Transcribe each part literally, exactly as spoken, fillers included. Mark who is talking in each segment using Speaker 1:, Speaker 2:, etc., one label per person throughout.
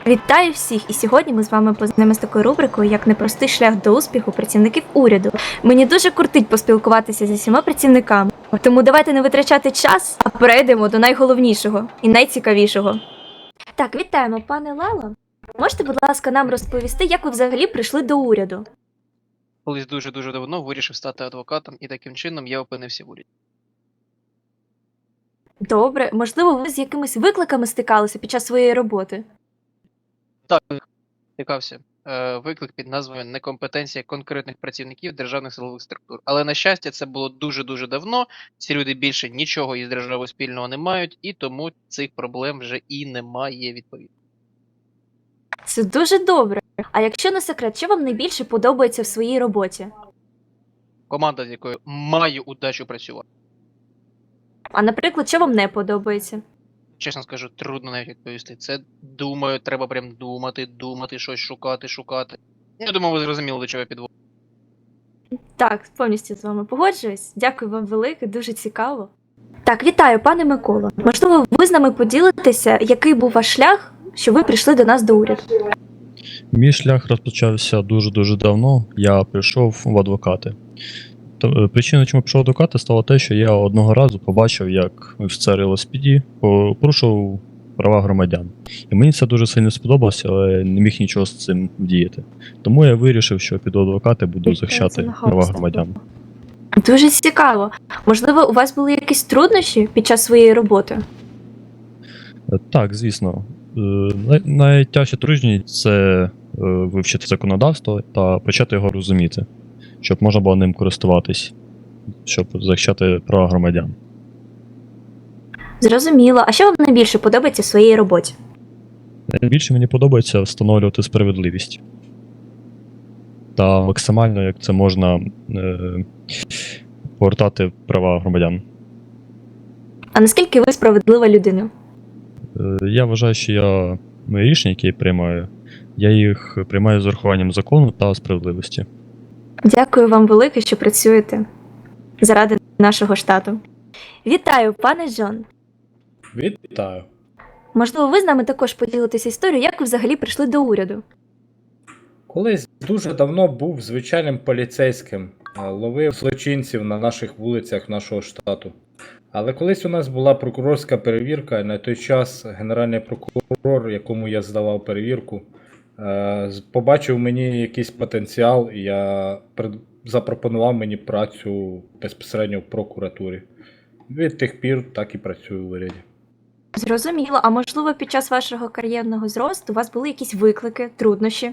Speaker 1: Вітаю всіх! І сьогодні ми з вами познайомимося з такою рубрикою, як непростий шлях до успіху працівників уряду. Мені дуже кортить поспілкуватися зі всіма працівниками, тому давайте не витрачати час, а перейдемо до найголовнішого і найцікавішого. Так, вітаємо, пане Лало. Можете, будь ласка, нам розповісти, як ви взагалі прийшли до уряду?
Speaker 2: Колись дуже-дуже давно вирішив стати адвокатом, і таким чином я опинився в уряді.
Speaker 1: Добре, можливо, ви з якимись викликами стикалися під час своєї роботи?
Speaker 2: Так, стикався. Е, виклик під назвою «Некомпетенція конкретних працівників державних силових структур». Але, на щастя, це було дуже-дуже давно, ці люди більше нічого із державою спільного не мають, і тому цих проблем вже і немає, відповідно.
Speaker 1: Це дуже добре. А якщо не секрет, що вам найбільше подобається в своїй роботі?
Speaker 2: Команда, з якою маю удачу працювати.
Speaker 1: А, наприклад, що вам не подобається?
Speaker 2: Чесно скажу, трудно навіть відповісти. Це, думаю, треба прям думати, думати, щось шукати, шукати. Я думаю, ви зрозуміли, до чого я підводжу.
Speaker 1: Так, повністю з вами погоджуюсь. Дякую вам велике, дуже цікаво. Так, вітаю, пане Миколо. Можливо, ви з нами поділитеся, який був ваш шлях, що ви прийшли до нас до уряду?
Speaker 3: Мій шлях розпочався дуже-дуже давно. Я прийшов в адвокати. То- Причиною, чому пішов в адвокати, стало те, що я одного разу побачив, як офіцер ел ес пі ді порушив права громадян. І мені це дуже сильно сподобалося, але не міг нічого з цим вдіяти. Тому я вирішив, що піду в адвокати, буду захищати права громадян.
Speaker 1: Дуже цікаво. Можливо, у вас були якісь труднощі під час своєї роботи?
Speaker 3: Е, Так, звісно. Е, най- Найтяжча трудність – це е, вивчити законодавство та почати його розуміти, щоб можна було ним користуватись, щоб захищати права громадян.
Speaker 1: Зрозуміло. А що вам найбільше подобається в своїй роботі?
Speaker 3: Найбільше мені подобається встановлювати справедливість. Та максимально, як це можна, е, повертати права громадян.
Speaker 1: А наскільки ви справедлива людина?
Speaker 3: Е, Я вважаю, що я мої рішення, які я приймаю, я їх приймаю з урахуванням закону та справедливості.
Speaker 1: Дякую вам велике, що працюєте заради нашого штату. Вітаю, пане Джон.
Speaker 4: Вітаю.
Speaker 1: Можливо, ви з нами також поділитеся історією, як ви взагалі прийшли до уряду?
Speaker 4: Колись дуже давно був звичайним поліцейським, а, ловив злочинців на наших вулицях нашого штату. Але колись у нас була прокурорська перевірка, і на той час генеральний прокурор, якому я здавав перевірку, е, з- побачив в мені якийсь потенціал, і я пред- запропонував мені працю безпосередньо в прокуратурі. Від тих пір так і працюю в уряді.
Speaker 1: Зрозуміло. А можливо, під час вашого кар'єрного зросту у вас були якісь виклики, труднощі?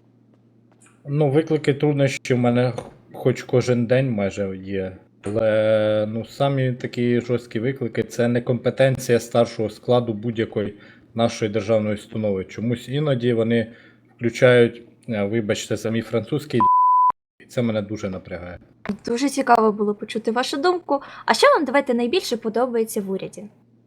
Speaker 4: Ну, виклики труднощі в мене хоч кожен день майже є. Але ну, самі такі жорсткі виклики це некомпетенція старшого складу будь-якої нашої державної установи. Чомусь іноді вони включають, е, вибачте, за мій французький, і це мене дуже напрягає.
Speaker 1: Дуже цікаво було почути вашу думку. А що вам, давайте, найбільше подобається в уряді?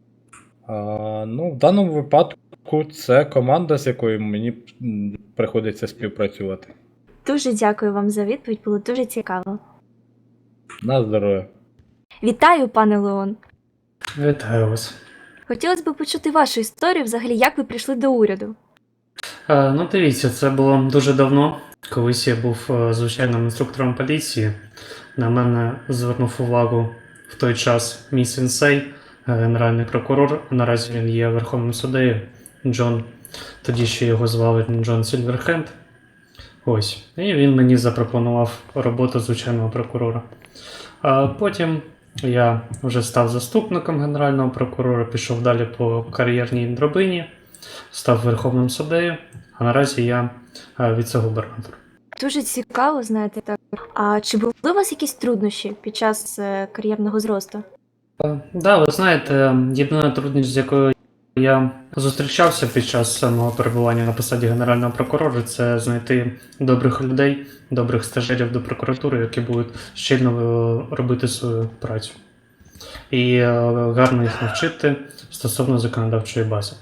Speaker 4: А, ну, в даному випадку це команда, з якою мені м, приходиться співпрацювати.
Speaker 1: Дуже дякую вам за відповідь, було дуже цікаво.
Speaker 4: На здоров'я.
Speaker 1: Вітаю, пане Леон.
Speaker 5: Вітаю вас.
Speaker 1: Хотілося б почути вашу історію, взагалі, як ви прийшли до уряду.
Speaker 5: Е, ну, дивіться, це було дуже давно. Колись я був е, звичайним інструктором поліції. На мене звернув увагу в той час мій сенсей, е, генеральний прокурор. Наразі він є Верховним суддею Джон. Тоді ще його звали Джон Сільверхенд. Ось. І він мені запропонував роботу звичайного прокурора. А потім я вже став заступником генерального прокурора, пішов далі по кар'єрній драбині, став Верховним суддею, а наразі я е, віце-губернатор.
Speaker 1: Дуже цікаво, знаєте, так. А чи були у вас якісь труднощі під час е, кар'єрного зросту?
Speaker 5: Так, да, ви знаєте, єдина трудність, з якою я зустрічався під час мого перебування на посаді генерального прокурора, це знайти добрих людей, добрих стажерів до прокуратури, які будуть щільно е, робити свою працю. І е, гарно їх навчити стосовно законодавчої бази.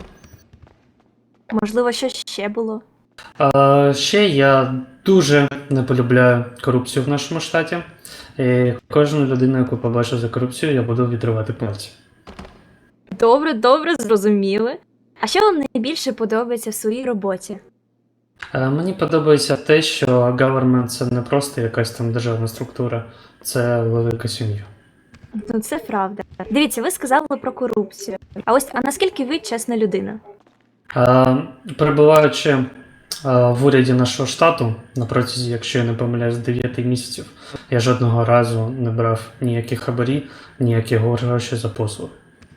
Speaker 1: Можливо, що ще було?
Speaker 5: А, ще я дуже не полюбляю корупцію в нашому штаті. І кожну людину, яку побачу за корупцію, я буду відривати пальці.
Speaker 1: Добре, добре, зрозуміли. А що вам найбільше подобається в своїй роботі?
Speaker 5: Е, Мені подобається те, що government – це не просто якась там державна структура, це велика сім'я.
Speaker 1: Ну, це правда. Дивіться, ви сказали про корупцію. А ось, а наскільки ви чесна людина?
Speaker 5: Е, Перебуваючи е, в уряді нашого штату, на протязі, якщо я не помиляюсь, дев'яти місяців, я жодного разу не брав ніяких хабарі, ніяких грошей за послуги.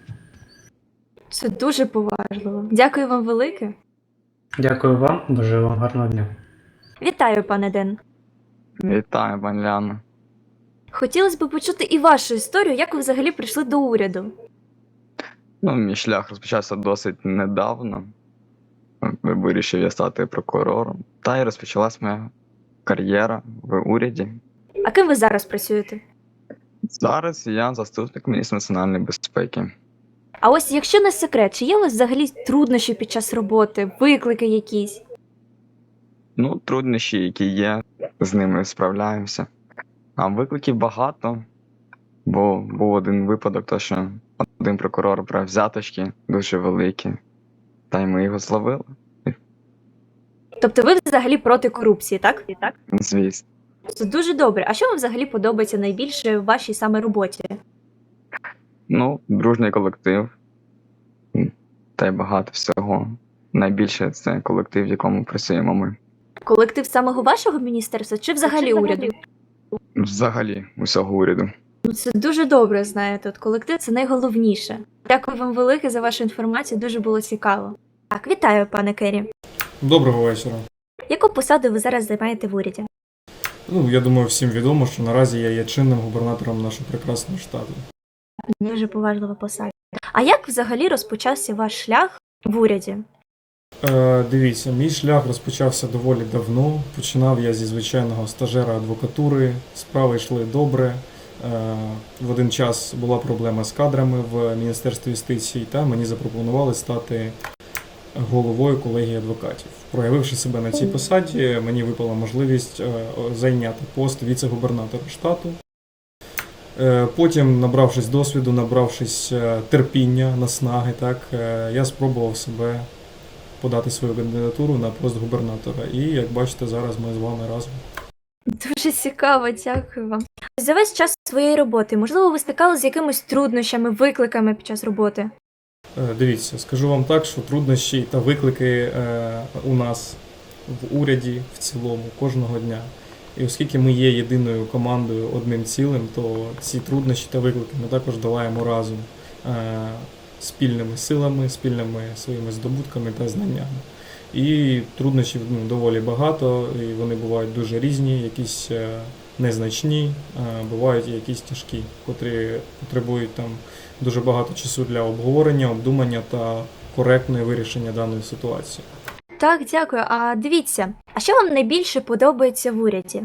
Speaker 1: Це дуже поважливо. Дякую вам велике.
Speaker 5: Дякую вам, бажаю вам гарного дня.
Speaker 1: Вітаю, пане Ден.
Speaker 6: Вітаю, пані Ляна.
Speaker 1: Хотілося б почути і вашу історію, як ви взагалі прийшли до уряду.
Speaker 6: Ну, мій шлях розпочався досить недавно. Вирішив я стати прокурором. Та й розпочалась моя кар'єра в уряді.
Speaker 1: А ким ви зараз працюєте?
Speaker 6: Зараз я заступник міністра національної безпеки.
Speaker 1: А ось, якщо не секрет, чи є у вас взагалі труднощі під час роботи, виклики якісь?
Speaker 6: Ну, труднощі, які є, з ними справляємося. А викликів багато, бо був один випадок, то що один прокурор брав взяточки дуже великі, та й ми його зловили,
Speaker 1: Тобто ви взагалі проти корупції, так? Так.
Speaker 6: звісно.
Speaker 1: Це дуже добре. А що вам взагалі подобається найбільше в вашій саме роботі?
Speaker 6: Ну, дружний колектив. М, Та й багато всього. Найбільше це колектив, в якому працюємо ми.
Speaker 1: Колектив самого вашого міністерства чи взагалі уряду?
Speaker 6: Взагалі, усього уряду.
Speaker 1: Ну, це дуже добре, знаєте. От колектив це найголовніше. Дякую вам велике за вашу інформацію, дуже було цікаво. Так, вітаю, пане Керрі.
Speaker 7: Доброго вечора.
Speaker 1: Яку посаду ви зараз займаєте в уряді?
Speaker 7: Ну, я думаю, всім відомо, що наразі я є чинним губернатором нашого прекрасного штату.
Speaker 1: Дуже поважлива посада. А як взагалі розпочався ваш шлях в уряді?
Speaker 7: Е, дивіться, мій шлях розпочався доволі давно. Починав я зі звичайного стажера адвокатури, справи йшли добре. Е, в один час була проблема з кадрами в Міністерстві юстиції, та мені запропонували стати головою колегії адвокатів. Проявивши себе на цій посаді, мені випала можливість е, зайняти пост віце-губернатора штату. Е, Потім, набравшись досвіду, набравшись е, терпіння, наснаги, так, е, я спробував себе подати свою кандидатуру на пост губернатора. І, як бачите, зараз ми з вами разом.
Speaker 1: Дуже цікаво, дякую вам. За весь час своєї роботи, можливо, ви стикалися з якимись труднощами, викликами під час роботи?
Speaker 7: Е, Дивіться, скажу вам так, що труднощі та виклики е, у нас в уряді в цілому кожного дня. І оскільки ми є єдиною командою, одним цілим, то ці труднощі та виклики ми також долаємо разом е, спільними силами, спільними своїми здобутками та знаннями. І труднощів ну, доволі багато, і вони бувають дуже різні, якісь е, незначні, е, бувають і якісь тяжкі, котрі потребують там дуже багато часу для обговорення, обдумання та коректного вирішення даної ситуації.
Speaker 1: Так, дякую. А дивіться, а що вам найбільше подобається в уряді?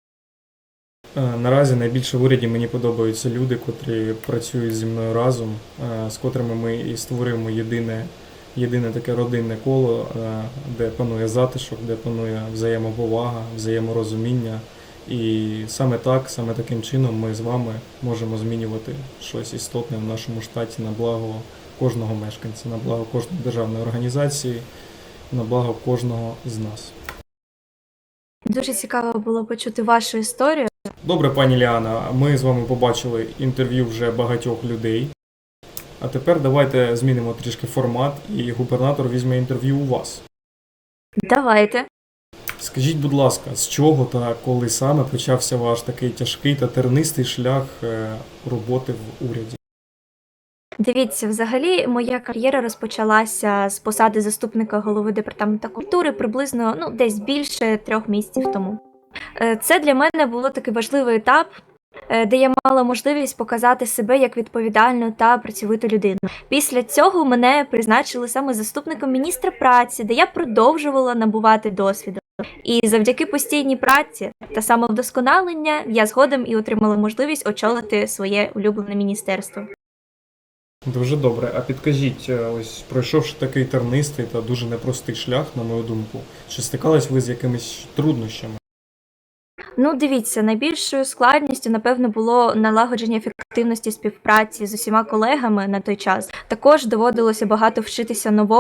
Speaker 7: Е, Наразі найбільше в уряді мені подобаються люди, котрі працюють зі мною разом, е, з котрими ми і створюємо єдине, єдине таке родинне коло, е, де панує затишок, де панує взаємоповага, взаєморозуміння. І саме так, саме таким чином ми з вами можемо змінювати щось істотне в нашому штаті на благо кожного мешканця, на благо кожної державної організації, на благо кожного з нас.
Speaker 1: Дуже цікаво було почути вашу історію.
Speaker 7: Добре, пані Ліана, ми з вами побачили інтерв'ю вже багатьох людей. А тепер давайте змінимо трішки формат, і губернатор візьме інтерв'ю у вас.
Speaker 1: Давайте.
Speaker 7: Скажіть, будь ласка, з чого та коли саме почався ваш такий тяжкий та тернистий шлях е, роботи в уряді?
Speaker 1: Дивіться, взагалі моя кар'єра розпочалася з посади заступника голови департаменту культури приблизно ну, десь більше трьох місяців тому. Е, Це для мене було такий важливий етап, е, де я мала можливість показати себе як відповідальну та працьовиту людину. Після цього мене призначили саме заступником міністра праці, де я продовжувала набувати досвіду. І завдяки постійній праці та самовдосконалення я згодом і отримала можливість очолити своє улюблене міністерство.
Speaker 7: Дуже добре. А підкажіть, е, ось пройшовши такий тернистий та дуже непростий шлях, на мою думку, чи стикались ви з якимись труднощами?
Speaker 1: Ну, дивіться, найбільшою складністю, напевно, було налагодження ефективності співпраці з усіма колегами на той час. Також доводилося багато вчитися новому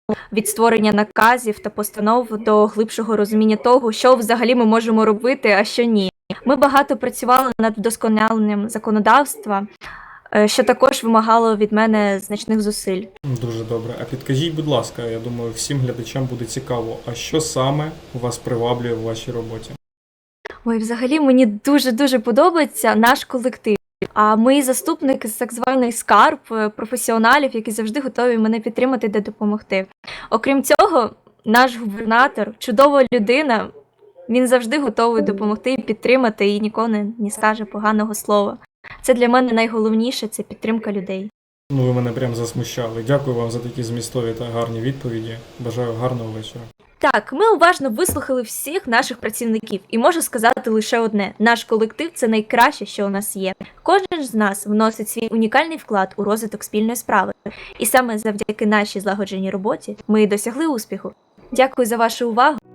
Speaker 1: від створення наказів та постанов до глибшого розуміння того, що взагалі ми можемо робити, а що ні. Ми багато працювали над вдосконаленням законодавства, е, що також вимагало від мене значних зусиль.
Speaker 7: Дуже добре. А підкажіть, будь ласка, я думаю, всім глядачам буде цікаво, а що саме вас приваблює в вашій роботі?
Speaker 1: Ой, взагалі мені дуже-дуже подобається наш колектив. А мої заступники з так званий скарб, е, професіоналів, які завжди готові мене підтримати та допомогти. Окрім цього, наш губернатор, чудова людина, він завжди готовий допомогти і підтримати, і ніколи не, не скаже поганого слова. Це для мене найголовніше, це підтримка людей.
Speaker 7: Ну, ви мене прям засмущали. Дякую вам за такі змістові та гарні відповіді. Бажаю гарного вечора.
Speaker 1: Так, ми уважно вислухали всіх наших працівників, і можу сказати лише одне: наш колектив – це найкраще, що у нас є. Кожен з нас вносить свій унікальний вклад у розвиток спільної справи. І саме завдяки нашій злагодженій роботі ми і досягли успіху. Дякую за вашу увагу.